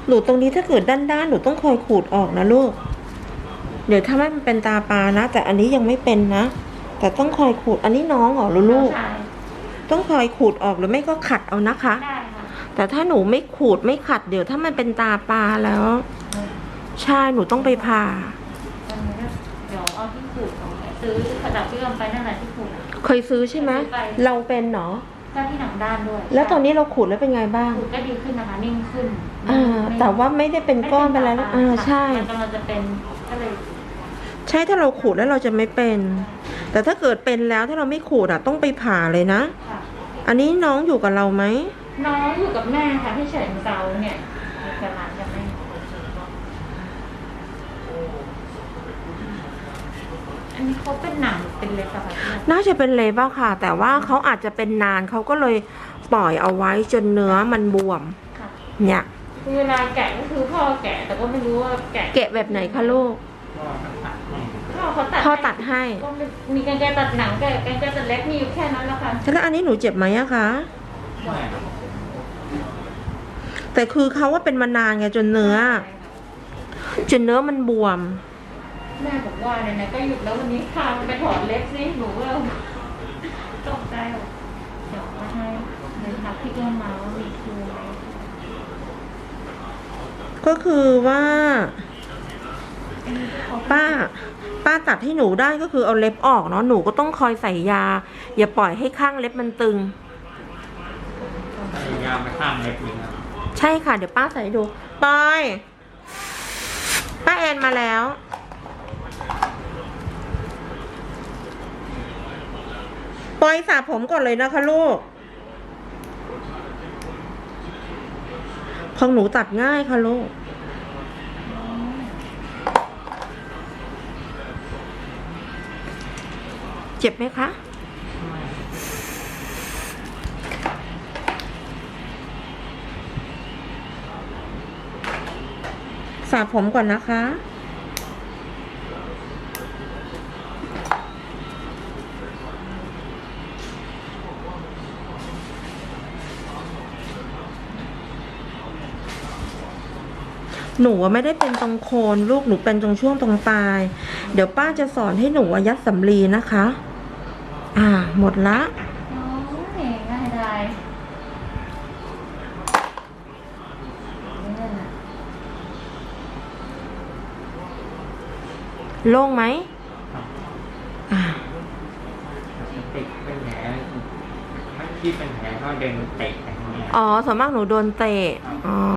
หนูตรงนี้ถ้าเกิดด้านๆหนูต้องคอยขูดออกนะลูกเดี๋ยวถ้าไม่มันเป็นตาปลานะแต่อันนี้ยังไม่เป็นนะแต่ต้องคอยขูดอันนี้น้องเหรอลูกต้องคอยขูดออกหรือไม่ก็ขัดเอานะคะได้ค่ะแต่ถ้าหนูไม่ขูดไม่ขัดเดี๋ยวถ้ามันเป็นตาปลาแล้วใช่หนูต้องไปผ่าเดี๋ยวเอาที่ขูดของซื้อกระดาษที่เอาไปนั่นแหละที่ขูดเคยซื้อใช่ไหมเราเป็นเนาะเจ้าที่หนังด้านด้วยแล้วตอนนี้เราขูดแล้วเป็นไงบ้างขูดก็ดีขึ้นนะคะนิ่งขึ้นแต่ว่าไม่ได้เป็นก้อนเป็นอะไรแล้วใช่มันกำลังจะเป็นก็เลยใช่ถ้าเราขูดแล้วเราจะไม่เป็นแต่ถ้าเกิดเป็นแล้วถ้าเราไม่ขูดต้องไปผ่าเลยนะอันนี้น้องอยู่กับเราไหมน้องอยู่กับแม่ค่ะที่เฉินเซาเนี่ยอยู่กับหลานกับแม่อันนี้เขาเป็นหนังเป็นเล็บอะค่ะน่าจะเป็นเล็บอะค่ะแต่ว่าเขาอาจจะเป็นนานเขาก็เลยปล่อยเอาไว้จนเนื้อมันบวมเนี่ยเวลาแกะก็คือพ่อแกะแต่ก็ไม่รู้ว่าแกะแบบไหนคะลูกพ่อตัดให้ก็มีกรรไกรตัดหนังแกะกรรไกรตัดเล็บมีอยู่แค่นั้นแล้วค่ะแล้วอันนี้หนูเจ็บไหมอะคะแต่คือเขาว่าเป็นมานานไงจนเนื้อมันบวมแม่บอกว่าเนี่ยก็หยุดแล้ววันนี้พามันไปถอดเล็บสิหนูก็ตกใจเดี๋ยวมาให้เดินทักที่เกินมาว่ามีคืออะไรก็คือว่าป้าตัดให้หนูได้ก็คือเอาเล็บออกเนาะหนูก็ต้องคอยใส่ยาอย่าปล่อยให้ข้างเล็บมันตึงใส่ยาไปข้างเล็บเลยนะใช่ค่ะเดี๋ยวป้าใส่ให้ดูปอยป้าแอนมาแล้วปอยสระผมก่อนเลยนะคะลูกของหนูตัดง่ายค่ะลูกเจ็บไหมคะสระผมก่อนนะคะหนูไม่ได้เป็นตรงโคนลูกหนูเป็นตรงช่วงตรงปลายเดี๋ยวป้าจะสอนให้หนูยัดสำลีนะคะหมดละง่ายได้โล่งไหมติดเป็นแผลที่เป็นแผลเขาเดินเตะส่วนมากหนูโดนเตะ